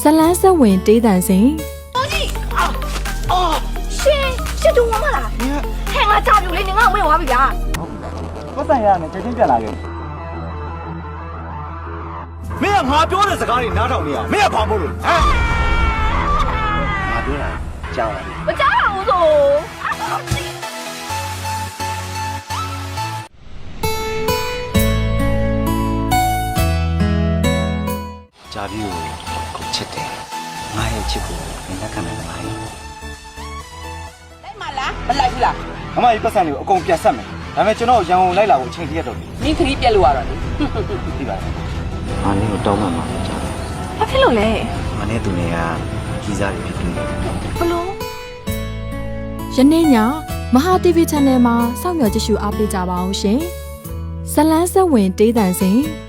လန်းဆက်ဝင်တေးတန်စဉ်ရှစ်တူမမလားဟဲ့ငါကြောက်อยู่လေနင်ကဝင်သွားပြီဗျာပတ်စံရမယ်ချက်ချင်းပြန်လာခဲ့မင်းကငါပြောတဲ့စကားတွေနားထောင်နေရမင်းကဘာမို့လို့ဟမ်ငါပြောတာကြားပါလေမကြောက်ပါဘူးဆိုကြားပြီးကိုချစ်တယ်ငါရဲ့ချစ်ကိုမင်းလက်ခံနိုင်လားလိုက်မလားမလိုက်ဘူးလားအမကြီးပတ်စံတွေကိုအကုန်ပြန်ဆက်မယ်ဒါပေမဲ့ကျွန်တော်ရန်ကုန်လိုက်လာဖို့အချိန်ကြီးရတော့ပြီမင်းခရီးပြက်လို့ရတော့လေသိပါတယ်ငါနဲ့ကိုတောင်းမှမှာကြားတယ်ဘာဖြစ်လို့လဲငါနဲ့သူတွေကကြီးစားတွေဖြစ်နေတယ်ဘလို့ယနေ့ညမဟာ TV Channel မှာစောင့်မျှော်ကြည့်ရှုအားပေးကြပါအောင်ရှင်ဇလန်းဆက်ဝင်တေးတန်စဉ်